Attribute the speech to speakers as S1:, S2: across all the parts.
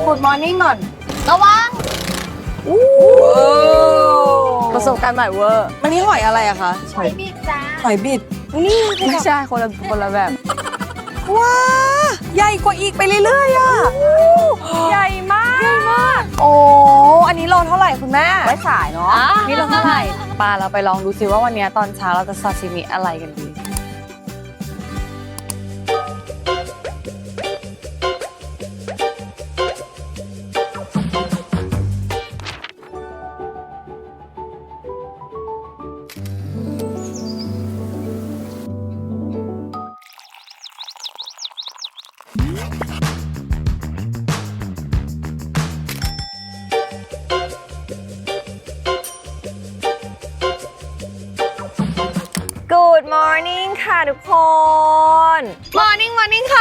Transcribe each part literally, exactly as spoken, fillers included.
S1: Good morning ก่อน
S2: ระวัง
S1: ประสบการณ์ใหม่เวอร์มันนี่หอยอะไรอะคะ
S2: หอยบิดจ้า
S1: หอยบิดนี่ไม่ใช่คนละคนละแบบว้าใหญ่กว่าอีกไปเรื่อยๆอะใหญ่มากใหญ่มากโอ้อันนี้โลเท่าไหร่คุณแม่ไว้ขายเนาะนี่โลเท่าไหร่ปลาเราไปลองดูซิว่าวันนี้ตอนเช้าเราจะซาซิมิอะไรกันดีGood morning ค่ะทุกคน Morning Morning ค่ะ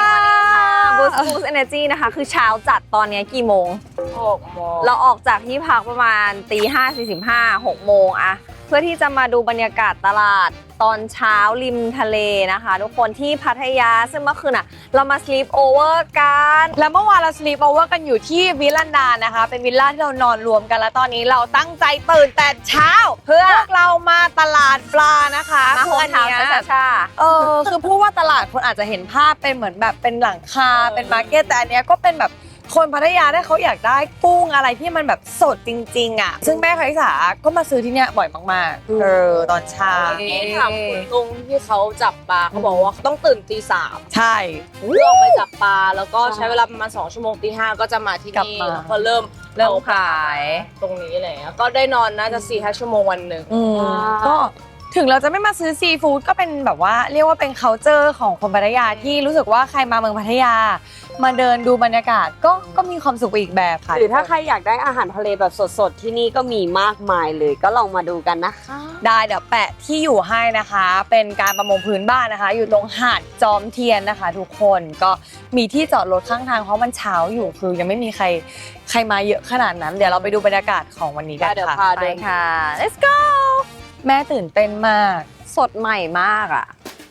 S1: Boost Boost Energy นะคะคือเช้าจัดตอนนี้กี่โมงหกโมงเราออกจากที่พักประมาณตีห้าสี่สิบห้าหกโมงอะเพื่อที่จะมาดูบรรยากาศตลาดตอนเช้าริมทะเลนะคะทุกคนที่พัทยาซึ่งเมื่อคืนอะเรามา sleep over กันแล้วเมื่อวานเรา sleep over กันอยู่ที่วิลลันดานะคะเป็นวิลล่าที่เรานอนรวมกันแล้วตอนนี้เราตั้งใจตื่นแต่เช้าเพื่อพวกเรามาตลาดปลานะคะมาหัวเท้าช้าๆเออคือพูดว่าตลาดคนอาจจะเห็นภาพเป็นเหมือนแบบเป็นหลังคาเป็นมาร์เก็ตแต่อันเนี้ยก็เป็นแบบคนพัทยาได้เขาอยากได้กุ้งอะไรที่มันแบบสดจริงๆอ่ะซึ่งแม่คาริสาก็มาซื้อที่เนี้ยบ่อยมากๆเออตอนเช้า
S3: ถามคุณลุงที่เขาจับปลาเขาบอกว่าเขาต้องตื่นตีสาม
S1: ใช่
S3: เพื่อออกไปจับปลาแล้วก็ใช้เวลาประมาณสองชั่วโมงตีห้าก็จะมาที่นี่แล้วก็เริ่ม
S1: เริ่มขาย
S3: ตรงนี้อะไรเงี้ยก็ได้นอนน่าจะสี่ห้าชั่วโมงวันหนึ่ง
S1: อืมก็ถึงเราจะไม่มาซื้อซีฟู้ดก็เป็นแบบว่าเรียกว่าเป็น culture ของคนพัทยาที่รู้สึกว่าใครมาเมืองพัทยามาเดินดูบรรยากาศก็ก็มีความสุขไปอีกแบบค่ะ
S4: หรือถ้าใครอยากได้อาหารทะเลแบบสดๆที่นี่ก็มีมากมายเลยก็ลองมาดูกันนะคะ
S1: ได้เดี๋ยวแปะที่อยู่ให้นะคะ เป็นการประมงพื้นบ้านนะคะ อยู่ตรงหาดจอมเทียนนะคะ ทุกคนก็มีที่จอดรถข้างทางเพราะมันเช้าอยู่คือยังไม่มีใครใครมาเยอะขนาดนั้น เดี๋ยวเราไปดูบรรยากาศของวันนี้กัน
S4: เดี๋ยว
S1: ค่ะ
S4: พา
S1: ไป
S4: เดิน
S1: ค่ะ let's go แม่ตื่นเต้นมากสดใหม่มากอ่ะ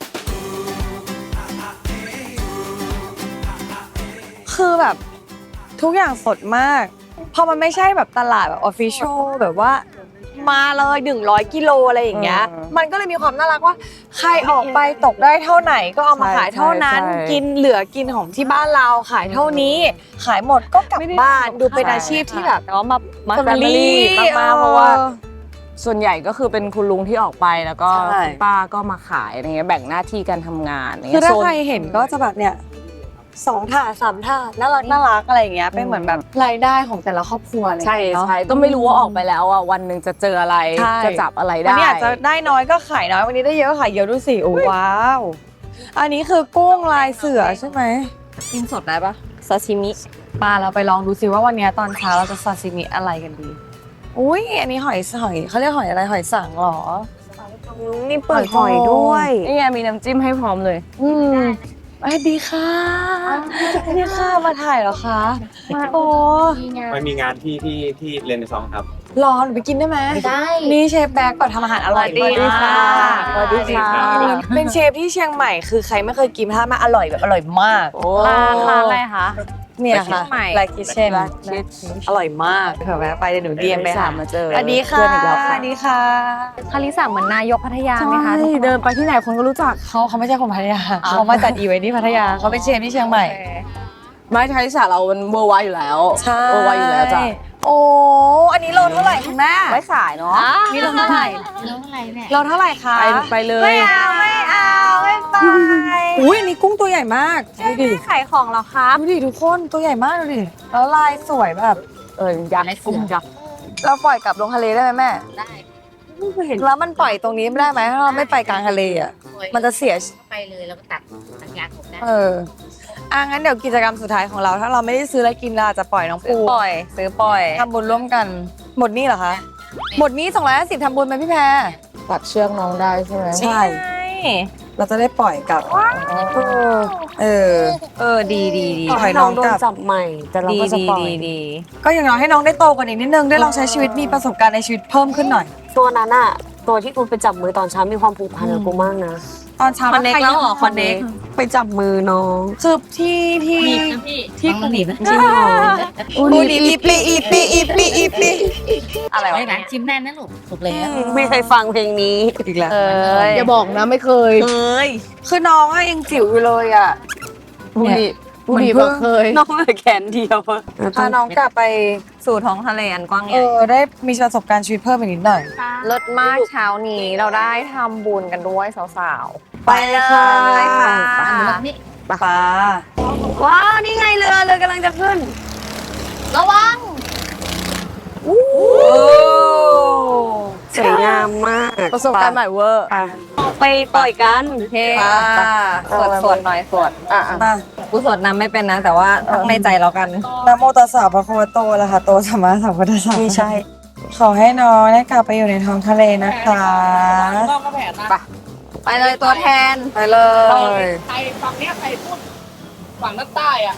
S1: คือแบบทุกอย่างสดมากพอมันไม่ใช่แบบตลาดแบบออฟฟิเชียลแบบว่ามาเลยหนึ่งร้อยกิโลอะไรอย่างเงี้ยมันก็เลยมีความน่ารักว่าใครออกไปตกได้เท่าไหนก็เอามาขายเท่านั้นกินเหลือกินของที่บ้านเราขายเท่านี้ขายหมดก็กลับบ้านดูเป็นอาชีพที่แบบ
S5: แต่ว่ามามา
S1: family
S5: แฟมิลี่มากๆเพราะว่าส่วนใหญ่ก็คือเป็นคุณลุงที่ออกไปแล้วก็
S1: ใช่
S5: คุณป้าก็มาขายอะไรเงี้ยแบ่งหน้าที่การทำงานอะไร
S1: คือ
S5: เงี้ย
S1: ถ้า
S5: โซน
S1: ใครเห็นก็จะแบบเนี่ยสองถาดสามถาดน่ารักน่ารักอะไรอย่างเงี้ยเป็นเหมือนแบบรายได้ของแต่ละครอบครัวอะไรอย่าง
S5: ใช่
S1: เงี้ยเนาะ
S5: ใช่ก็ไม่รู้ว่าออกไปแล้วอ่ะวันหนึ่งจะเจออะไร
S1: ใช่
S5: จะจับอะไร
S1: วัน
S5: ได้
S1: นี้อาจจะได้น้อยก็ขายน้อยวันนี้ได้เยอะก็ขายเยอะดูสิโอ้ว้าวอันนี้คือกุ้งลายเสือใช่ไหมกินสดได้ปะ
S5: ซาชิมิ
S1: ปลาเราไปลองดูสิว่าวันนี้ตอนเช้าเราจะซาซิมิอะไรกันดีอุ้ยอันนี้หอยหอยเขาเรียกหอยอะไรหอยสังเหรอ
S4: นี่เปิดหอยด้วย
S5: นี่ไงมีน้ำจิ้มให้พร้อมเลย
S1: อืมสวัสดีค่ะสวัสดีค่ะมาถ่ายเหรอคะโอ้
S6: มันมีงานที่ที่ที่เรนซองครับ
S1: รอหนูไปกินได้ไหม
S2: ได้
S1: นี่เชฟแบ็กก่อนทำอาหารอร่อย
S5: สวัสดีค่ะ
S1: สวัสดีค่ะ เป็นเชฟที่เชียงใหม่คือใครไม่เคยกินถ้ามาอร่อยแบบอร่อยมาก
S5: ร้านร้านอะไรคะ
S1: เนี่ยค่ะ
S5: ใหม่
S1: ไลค์คิเช่น
S5: Black Kitchen
S1: อร่อยมากเผื่อแวะไปเดี๋ยวหนูเดียมไปหา
S5: มาเจอ
S1: สวัสดีค่ะ
S5: เพื่อนอีกแล้ว
S1: ส
S5: ค่ะ
S1: วัสดีค่ะ
S5: คาริสาเหมือนนายกพัทยาไหมคะ
S1: ใช่
S5: เดินไปที่ไหนคนก็รู้จัก
S1: เขาเขาไม่ใช่คนพัทยาเขามาจัดอีเวนต์ที่พัทยาเขาเป็นเชฟที่เชียงใหม่
S5: ไม่ไทยสาเราเป็นเวอร์ไวอยู่แล้ว
S1: ใช่
S5: เวอร์ไวอยู่แล้วจ้ะ
S1: โอ้อันนี้โลเท่าไหร่คุณแม่
S5: ไว้ขายเนาะ
S1: นี่โลเท่าไหร่
S2: น้องอะไรเนี่ย
S1: โลเท่าไหร่คะ
S5: ไปไปเลย
S1: ไม่เอาไม่เอาไม่ไปอุ้ยอันนี้กุ้งตัวใหญ่มากดูดิ
S5: ขายของเหรอครับ
S1: ดูดิทุกคนตัวใหญ่มากดูดิแล้วลายสวยแบบ
S5: เออยักษ์กุ้งยักษ์
S1: เราปล่อยกลับลงทะเลได้ไหมแม่
S2: ได้
S1: แล้วมันปล่อยตรงนี้ไม่ได้ไหมถ้าเราไม่ไปกลางทะเลอ่ะมันจะเสีย
S2: ไปเลยแล้วก็ตัดตัดยางผมได้
S1: เอออ่ะงั้นเดี๋ยวกิจกรรมสุดท้ายของเราถ้าเราไม่ได้ซื้ออะไรกินเราอาจจะปล่อยน้องปู
S5: ปล่อยซื้อปล่อย
S1: ทำบุญร่วมกัน หมดนี่เหรอคะ หมดนี้สองร้อยห้าสิบทำบุญไหมพี่แพร
S5: ตัดเชือกน้องได้ใช่ไหม
S1: ใช่ เราจะได้ปล่อยกลับเออเออ
S5: เออดีดีดี
S1: ปล่อย
S4: น้
S1: น้
S4: อ
S1: อง ง
S4: โด
S1: ก
S4: น
S1: ลับ
S4: จับใหม่ แต่เรา
S5: ดี
S4: ก็จะ
S5: ดี
S4: ปล่อย
S5: ดีดี
S1: ก็อย่างน้อยให้น้องได้โตกว่านี้นิดนึงได้ลองใช้ชีวิตมีประสบการณ์ในชีวิตเพิ่มขึ้นหน่อย
S4: ตัวนั้นอะตัวที่กูไปจับมือตอนเช้ามีความผูกพันกับกูมากนะ
S7: ตอนเช้า
S1: คอนเน็กแล้วเหรอคอนเน็ก
S4: ไปจับมือน้อง
S7: คือที่ที่
S2: หนีบนะพี่
S7: ที่
S2: ต้องหนีบนะ
S4: จริงเหรอ
S7: อูดีอีปีอีปีอีปีอีปี
S1: อะไร
S2: ไว้
S1: วะ
S2: นะจิ้มแน่นนะลูกถูกแล้ว
S4: ไม่เคยฟังเพลงนี้อีกแล้ว
S1: เอ้ย
S3: อย่าบอกนะไม่เคย
S1: เอ้ย
S7: คือน้องอะยังจิ๋วอยู่เลยอ่ะ
S3: บุรีบุ
S7: มัน
S3: รี
S7: เพิ่
S3: บ
S7: ง
S3: อกเคย
S4: น้องเหลือแขนเดียวอะ
S7: พาน้องกลับไป
S1: สู่ท้องทะเลอันกว้างให
S7: เอ
S1: ญ่
S7: อได้มีประสบการณ์ชีวิตเพิ่มอีกนิดหน่อย
S1: เลิศมากเช้านี้เราได้ทำบุญกันด้วยสาวๆ
S4: ไปเลยค่ะ
S1: ไปเลยค่ะ
S2: นี่
S7: ปลา
S4: ว้าวนี่ไงเรือเรือกำลังจะขึ้น
S2: ระวัง
S4: สวยงามมาก
S3: ประสบการณ์ใหม่เวอร์
S4: ไปปล่อยกัน
S1: โอเคสวดสวดหน่อยสวด
S3: อ่ะ
S7: มา
S1: กูสวดนำไม่เป็นนะ แต่ว่าท่องในใจเรากัน
S7: นะโมตัสสะพระคะวะโตอะระหะโตสัมมาสัมพุทธัสสะ
S4: ไม่ใช่
S7: ขอให้น้องได้กลับไปอยู่ในท้องทะเลนะคะ
S1: ไปเลยตัวแทน
S7: ไปเลย
S3: ใครฝั่งเนี้ยใครพูดฝั่งด้านใต้อ่ะ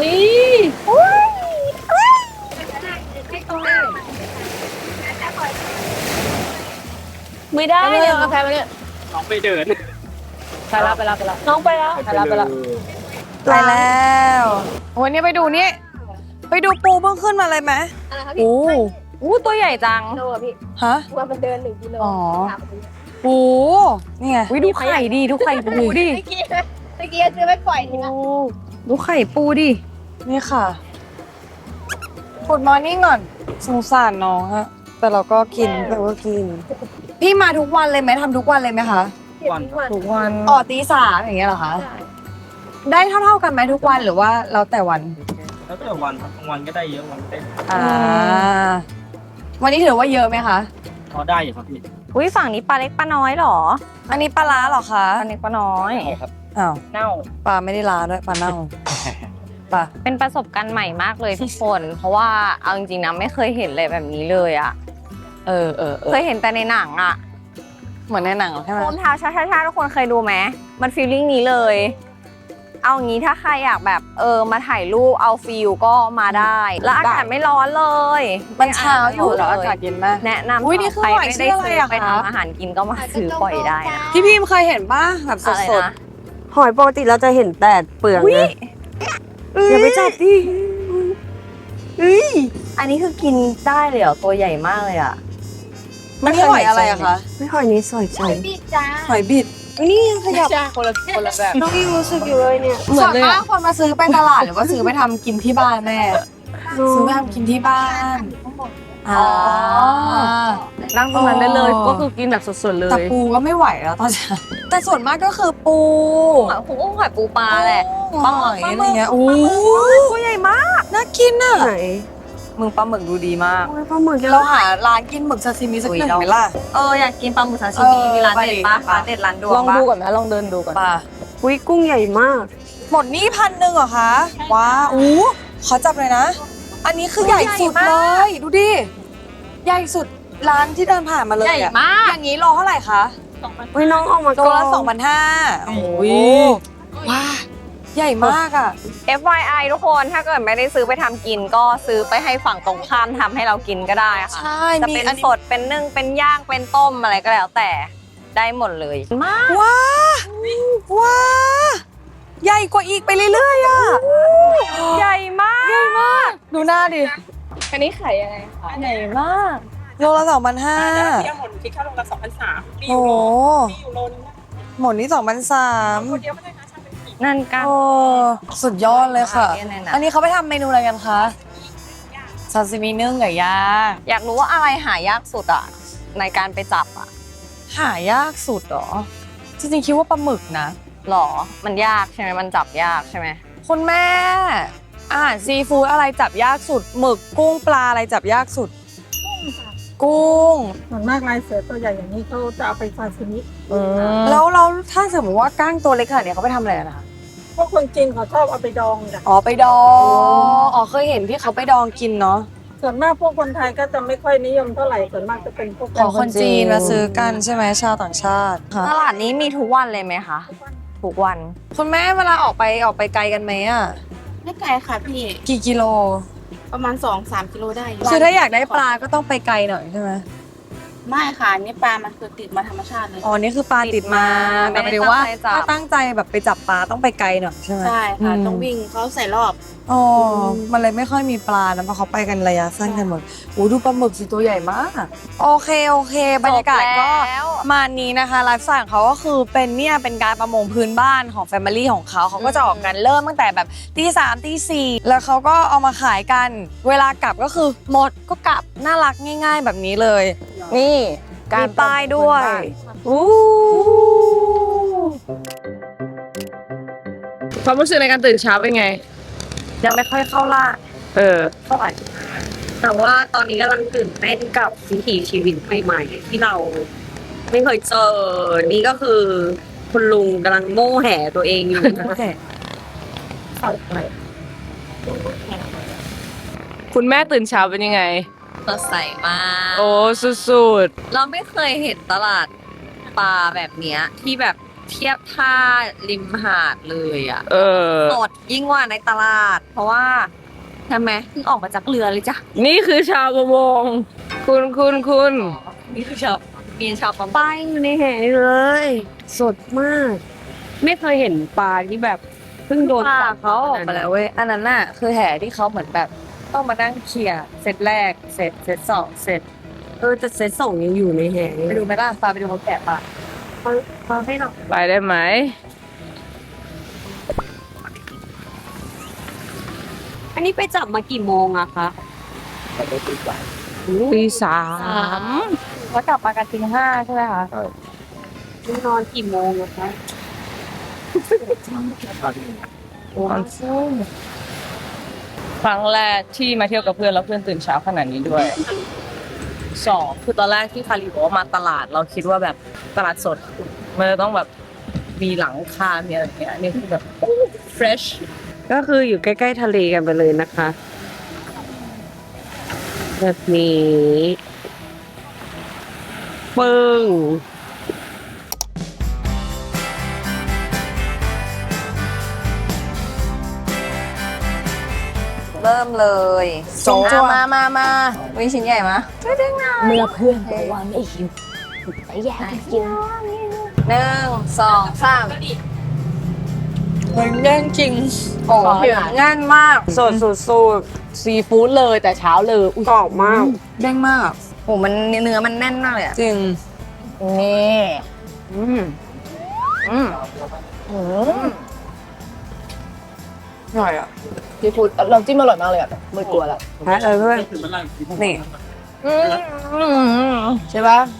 S4: ไม่ได้
S3: ไปเลยกาแฟมาเนี่ย
S6: น้องไปเดิน
S3: ไปแล้วไปแล้วไปแล้ว
S4: น้องไปแล้ว
S3: ไปแล้วไปแล้ว
S7: ไปแล้ววันนี้ไปดูนี่ ไปดูปูเพิ่งขึ้นมาเลยไหม
S1: โอ้อู้ตัวใหญ่จัง
S7: ฮะ
S2: ว่ามันเดินหนึ่งกิโล
S7: อ๋อ ปูนี่ไง
S1: วิดูไข่ดิดูไข่ปูดิ
S2: เมื่อกี้เมื่อกี้ซื้อไปปล่อยนี่นะ
S1: ดูไข่ปูดิ
S7: นี่ค่ะขุดมอร์นิ่งก่อน สงสารน้องอะแต่เราก็กิน
S4: แต่ว่ากิน
S7: พี่มาทุกวันเลยไหมทำทุกวันเลยไหมคะ
S6: วัน
S7: ทุกวันอ๋อตีสามอย่างเงี้ยเหรอคะ ได้เท่าๆกันไหมทุกวันหรือว่าแล้วแต่วัน
S6: แล้วแต่วันครับบางวันก็ได้เยอะวันก็ได้
S7: อ่า วันนี้ถือว่าเยอะไหมคะ
S6: พอได้อยู่ครับพี่
S1: อุ้ยฝั่งนี้ปลาเล็กปลาน้อยเหรอ
S7: อันนี้ปลาล้าเหรอคะ
S1: ปลาเล็กปลาน้อย
S6: ครับ
S7: อ้าว
S3: เน่า
S7: ปลาไม่ได้ล้าด้วยปลาเน่าปลา
S1: เป็นประสบการณ์ใหม่มากเลยทุกคน เพราะว่าเอาจริงๆนะไม่เคยเห็นเลยแบบนี้เลยอะ
S7: เออเออเออ
S1: เคยเห็นแต่ในหนังอะ
S7: เหมือนในหนังใช่ไหม
S1: โอมเท้าชาชาชาทุกคนเคยดูไหมมันฟีลลิ่งนี้เลย เอางี้ถ้าใครอยากแบบเออมาถ่ายรูปเอาฟิลก็มาได้ แล้วอากาศไม่ร้อนเลย
S7: มันเช้าอยู่แล้ว
S1: เล
S7: อากาศเย็นมาก
S1: แนะนำ
S7: อุ๊ยนี่คือ
S1: ใคร
S7: หอย
S1: ไม่
S7: ชื่
S1: ได้
S7: ออะไร
S1: ซื้อ
S7: อะ
S1: ไป
S7: คะ
S1: ทำอาหารกินก็มาซื้อปล่อยได้นะ
S7: พี่พิมเคยเห็นป่ะแบบส
S1: อะไร
S7: ด
S1: นะ
S4: หอยปกติเราจะเห็นแต่เปลือกไงอย่าไปจับดิ
S1: อันนี้คือกินได้เลยเหรอตัวใหญ่มากเลยอะ
S7: ๆมันนี่หอยอะไรอะคะ
S4: ไม่หอยนี้สวยจัง
S2: พี่จ้า
S7: หอยบิดนี่ยังขยับ
S3: ใช่คนละคนละแบบ
S4: น้องยังรู้สึกอยู่เลยเนี่ย
S7: ส่วนมากคนมาซื้อไปตลาดหรือว่าซื้อไปทำกินที่บ้านแม่ ซื้อไปทำกินที่บ้านอ๋อ
S5: นั่งตรงนั้นได้เลย ก็คือกินแบบสดๆเล
S7: แต่
S5: ย
S7: ปูก็ไม่ไหวแล้วตอนเช้าแต่ส่วนมากก็คือปู
S1: หอยกุ้งหอยปูปลาแหละ
S7: ปลาหอยอะไรเงี้ยโอ้
S1: ตัวใหญ่มาก
S7: น่ากินอ่ะ
S4: ไหน
S1: มึงปลาหมึกดูดีมาก
S4: โอ้ยปลาหมึก
S7: เราหาร้านกินหมึกซาซิมิสักหนึ่งไหมล่ะ
S1: เอออยากกินปลาหมึกซาชิมิ
S7: เออ
S1: มีร้านเด็ดปะ
S7: ไป
S1: ร้านเด็ดร้านดวง
S5: ลอง
S1: ปะ
S5: ดูก่อนนะลองเดินดูก่อน
S7: ปลา
S4: อุ้ยกุ้งใหญ่มาก
S7: หมดนี่พันหนึ่งเหรอคะว้าวอู้ขอจับเลยนะ อันนี้คือใหญ่สุดเลย ดูดิ ใหญ่สุดร้านที่เดินผ่านมาเลย
S1: ใหญ่
S7: อะ
S1: มาก
S7: อย่างนี้โลเท่าไหร่คะ
S4: อุ้ยน้องออกมา
S7: โลละสองพันห้าโอ้ยว้าใหญ่มากอ่ะ
S1: เอฟ วาย ไอ ทุกคนถ้าเกิดไม่ได้ซื้อไปทำกินก็ซื้อไปให้ฝั่งตรงข้ามทำให้เรากินก็ได้ค่ะ
S7: ใช่
S1: จะ
S7: มี
S1: เป็น
S7: อันนี้
S1: สดเป็นนึ่งเป็นย่างเป็นต้มอะไรก็แล้วแต่ได้หมดเลยมาก
S7: ว้าว้าใหญ่กว่าอีกไปเรื่อยๆอ่ะ
S1: ใหญ่มาก
S7: ใหญ่มาก ดูหน้าดิ
S3: อันนี้ไข่ยังไงคะ
S1: ใหญ่มาก
S7: โลละสองพันห้า
S3: เที่ยวหมดคิดค่าลงละสองพันสามมีอ
S7: โอ้
S3: ยู่
S7: โห
S3: โลมีอยู่โลนึงนะ
S7: หมดนี่สองพันสาม
S3: คนเดียวไม่ได้นะช่างเป็นกี่
S1: นั่นกัน
S7: โอ้สุดยอดเลยค่ะ
S1: เนี่ยเนี่ยนะ
S7: อันนี้เขาไปทำเมนูอะไรกันคะซาซิมินึ่งไก่ย่าง
S1: อยากรู้ว่าอะไรหายากสุดอ่ะในการไปจับอ่ะ
S7: หายากสุดเหรอ จริงๆคิดว่าปลาหมึกนะ
S1: หรอมันยากใช่ไหมมันจับยากใช่ไหม
S7: คุณแม่อาหารซีฟู้ดอะไรจับยากสุด หมึกกุ้งปลาอะไรจับยากสุด กุ้ง
S8: ส่วนมากลายเสือตัวใหญ่อย่างนี้เขาจะเอาไปซาซิมิ
S7: แล้วเราถ้าสมมติว่าก้างตัวเล็กขนาดนี้เขาไปทำอะไรกันนะคะ
S8: พวกคนจีนเขาชอบเอาไปดองจ้ะ
S7: อ๋อไปดองอ๋อเคยเห็นที่เขาไปดองกินเนาะ
S8: ส่วนมากพวกคนไทยก็จะไม่ค่อยนิยมเท่าไหร่ ส่วนมากจะเป็นพวก
S7: ขอคนจีนมาซื้อกันใช่ไหมชาวต่างชาติค่ะ
S1: ตลาดนี้มีทุกวันเลยไหมคะทุกวัน
S7: คุณแม่เวลาออกไปออกไปไกลกันไหมอ่ะ
S2: ไม่ไกลค่ะพี่
S7: กี่กิโล
S2: ประมาณสองสามกิโลได้
S7: คือถ้าอยากได้ปลาก็ต้องไปไกลหน่อยใช่ไหม
S2: ไม่ค่ะอันนี่ปลามันคือติดมาธรรมชาติเลย
S7: อ๋อ นี่คือปลาติดมาแต่หมายถึงว่า
S1: ไม่ได้ตั้งใจจับ
S7: ถ้าตั้งใจแบบไปจับปลาต้องไปไกลหน่อยใช่ไหม
S2: ใช่ค่ะ
S7: อืม
S2: ต้องวิ่งเขาใส่รอบ
S7: อ๋อ มันเลยไม่ค่อยมีปลานะเพราะเขาไปกันระยะสั้นกันหมดโอ้ดูปลาหมึกสิตัวใหญ่มาก โอเคโอเค บรรยากาศก็
S1: แล้ว
S7: มานี้นะคะไลฟ์สไตล์ของเขาก็คือเป็นเนี่ยเป็นการประมงพื้นบ้านของแฟมิลี่ของเขาเขาก็จะออกกันเริ่มตั้งแต่แบบตีสามตีสี่แล้วเขาก็เอามาขายกัน เวลากลับก็คือหมดก็กลับน่ารักง่าย ๆ แบบนี้เลย
S5: นี่
S7: มีป้ายด้วยอู้
S5: ความรู้สึกในการตื่นเช้าเป็นไง
S4: ยังไม่ค่อยเข้าล่า
S5: เออ
S4: เท่าไหร่แต่ว่าตอนนี้กำลังตื่นเต้นกับวิถีชีวิตใหม่ๆที่เราไม่เคยเจอ นี่ก็คือคุณลุงกำลังโม่แห่ตัวเองอยู่นะคะ
S5: คุณแม่ตื่นเช้าเป็นยังไง
S1: สดใสมาก
S5: โอ้สุด
S1: เราไม่เคยเห็นตลาดปลาแบบเนี้ยที่แบบเทียบท่าริมหาดเลยอ่ะ
S5: ๆ เออ
S1: สดยิ่งกว่าในตลาด เพราะว่าทำไมเพิ่งออกมาจากเรือเลยจ้ะ
S5: นี่คือชาวประมง คุณคุณคุณ
S1: นี่คือชาวมีชาวประมง
S4: ป้ายอยู่ในแห่เลย สดมาก ไม่เคยเห็นปลาที่แบบเพิ่งโดน
S1: ปลา
S4: จับ
S1: เขาออกมาแล้วเว้ยอันนั้นน่ะคือแห่ที่เขาเหมือนแบบต้องมานั่งเคลียร์เซตแรกเสร็จเซตสองเสร็จ
S4: เออแต่เซตส่งยังอยู่ในแห่
S1: ไปดูไหมล่ะปลาไปดูเขาแกะปลา
S4: ปลาให้เรา
S5: ไปได้ไหม
S4: อันนี้ไปจับมากี่โมงอะคะ
S5: ตีสาม
S1: แล้วกลับมากันตีห้าใช่ไหมคะ
S4: นอนกี่โมงอะคะ
S5: ครั้งแรกที่มาเที่ยวกับเพื่อนแล้วเพื่อนตื่นเช้าขนาดนี้ด้วย
S3: สองคือตอนแรกที่คาริบอกว่ามาตลาด เราคิดว่าแบบตลาดสดมันจะต้องแบบมีหลังคา มีอะไรอย่างเงี้ยอันนี่คือแบบ fresh
S4: ก็คืออยู่ใกล้ๆทะเลกันไปเลยนะคะ แบบนี้ปึ้ง
S1: เริ่มเลย
S7: โจ๊ะ
S1: มามามาวิชิ้นใหญ่มะ
S4: เมื่อเพื่อนบอกว่าไม่หิวไปแย่งกิน
S1: หนึ่งสองสาม
S7: เฮ้ยแย่งจริง
S1: โอ้โหง่ายมาก
S4: สดสุดสุด
S5: ซีฟู้ดเลยแต่เช้าเลย
S4: กรอบมาก
S7: แย่งมาก
S1: โอ้มันเนื้อมันแน่นมากเลยอ่ะ
S7: จริง
S1: นี่อืมอืมอืม
S7: อร่อยอ่ะ
S3: ซีฟู้ดเราจิ้มอร่อยมากเลยอ่ะไม่กลัวละ
S7: แพ้เลยเพื่อนนี่
S1: อืม
S3: ใช่ปะ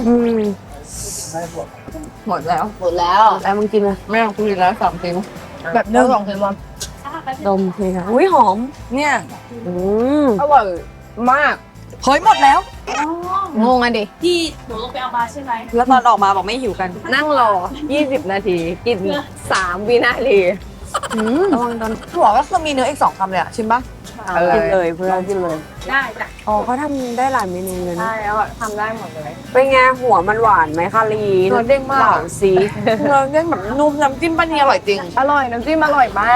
S1: หมดแล้ว
S3: หมดแล้ว
S4: แล้วมึงกินไหม
S3: ไม่ต้องคุยแล้วสองทิ้งแบบเนื้อสองทิ้งวัน
S4: ดมเลยค่ะอุ้ยหอม
S7: เนี่ย
S4: อืม
S3: อร่อยมาก
S7: เฮ้ยหมดแล้ว
S1: งงอ่ะดิ
S7: แล้วตอนออกมาบอกไม่หิวกัน
S1: นั่งรอ ยี่สิบ นาที กินสามวินาที
S7: ระวังตอนถั่วก็คือมีเนื้ออีกสองคำเลยอ่ะชิมปะ
S4: กินเลยเพื่อนกินเลย
S1: ได้จ้ะ
S4: อ๋อเขาทำได้หลายเมนูเลยนะ
S1: ได้แล้วอะทำได้หมดเลย
S4: เป็นไงหัวมันหวานไหมคะลี
S7: เนื้อเด้งมาก
S4: เหล่าซี
S7: เนื้อเด้งแบบนุ่มน้ำจิ้มป้านีอร่อยจริง
S1: อร่อย น้ำจิ้มอร่อยมาก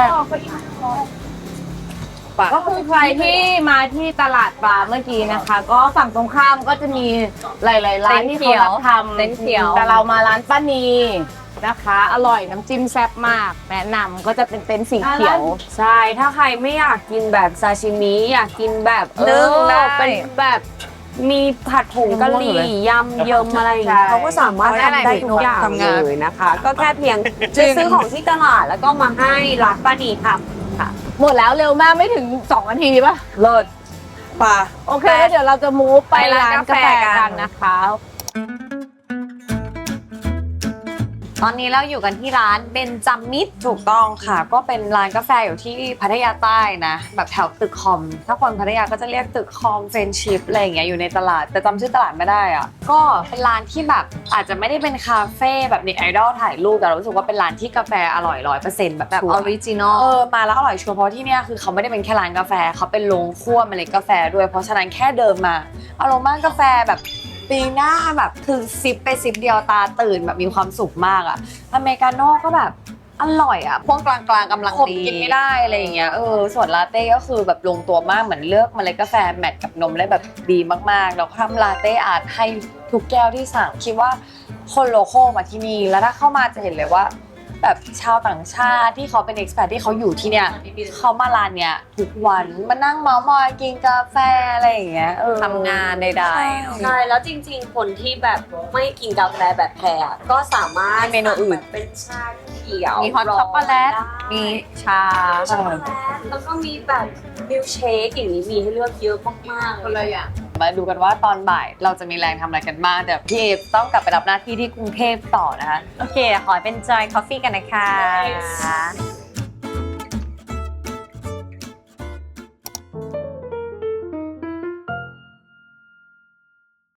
S1: ก็คือใครที่มาที่ตลาดปลาเมื่อกี้นะคะ ก็ฝั่งตรงข้ามก็จะมีหลายๆร้านที่เขารับทำ
S3: เต็นท์เขียว
S1: แต่เรามาร้านป้านีนะคะ อร่อยน้ำจิ้มแซ่บมาก แนะนำก็จะเป็นเต็นท์สีเขียว
S4: ใช่ถ้าใครไม่อยากกินแบบซาชิมิอยากกินแบบ
S1: นึ่ง
S4: เออ
S1: ได้
S4: เป็นแบบมีผัดผงกะหรี่ยำเยิมอะไรอย่างเงี้ย
S1: ใช่
S4: เขาก็สามารถ
S1: ได้
S4: ทำ
S1: ได้
S4: ได้ทุกอย่าง
S7: ทำงาน
S4: เลยนะคะ ก็แค่เพียง
S7: จริง
S4: ไปซื้อของที่ตลาดแล้วก็มาให้ร้านป้านีทำค่ะ
S1: หมดแล้วเร็วมากไม่ถึงสองนาทีป่ะ
S4: เลิศ
S7: ปลา
S1: โอเคแล้วเดี๋ยวเราจะมูฟไปร้านกาแฟกันนะคะ ตอนนี้เราอยู่กันที่ร้านเบนจามิด
S7: ถูกต้องค่ะ ก็เป็นร้านกาแฟอยู่ที่พัทยาใต้นะ แบบแถวตึกคอม ถ้าคนพัทยาก็จะเรียกตึกคอมเฟรนชิพอะไรอย่างเงี้ยอยู่ในตลาด แต่จำชื่อตลาดไม่ได้อ่ะ ก็เป็นร้านที่แบบอาจจะไม่ได้เป็นคาเฟ่แบบเน็ตไอดอลถ่ายรูปแต่เรารู้สึกว่าเป็นร้านที่กาแฟอร่อยร้อยเปอร์เซ็นต์แบบ
S1: แบบ
S7: ชั
S1: อ
S7: ว
S1: อ
S7: ร์
S1: ริจินอล
S7: เออมาแล้วอร่อยชัวร์เพราะที่เนี่ยคือเขาไม่ได้เป็นแค่ร้านกาแฟเขาเป็นโรงคั่วเมล็ดกาแฟด้วยเพราะฉะนั้นแค่เดินมาอารมณ์กาแฟแบบปีหน้าแบบคือซิปไปซิปเดียวตาตื่นแบบมีความสุขมากอะอเมริกาโน่ก็แบบอร่อยอ่ะพวกกลางๆกำลังดีกินไม่ได้อะไรอย่างเงี้ยเออส่วนลาเต้ก็คือแบบลงตัวมากเหมือนเลือกเมล็ดกาแฟแมทกับนมได้แบบดีมากๆแล้วก็ทำลาเต้อาร์ตให้ทุกแก้วที่สั่งคิดว่าคนโลคอลมาที่นี่แล้วถ้าเข้ามาจะเห็นเลยว่า แบบชาวต่างชาติที่เขาเป็น expat ที่เขาอยู่ที่เนี่ยเขามาร้านเนี้ยทุกวันมานั่งเมาท์มอยกินกาแฟอะไรอย่างเงี้ยเออ
S1: ทำงานใดๆ
S4: ใช่แล้วจริงๆ คนที่แบบไม่กินกาแฟแบบแพรอะก็สามารถ
S1: มีเมนูอื่น
S4: สั่งแบบเป็นชาเขียว
S1: มีฮอตช็อกโกแลต
S4: ได้
S1: มีชา
S4: ช็อกโกแลตแล้วก็มีแบบมิลค์เชคอย่างนี้มีให้เลือกเยอะมากๆเลย
S7: มาดูกันว่าตอนบ่ายเราจะมีแรงทำอะไรกันบ้างแต่พี่เอต้องกลับไปรับหน้าที่ที่กรุงเทพต่อนะคะ
S1: โอเค ขอเป็นจอยคอฟฟี่กันนะคะ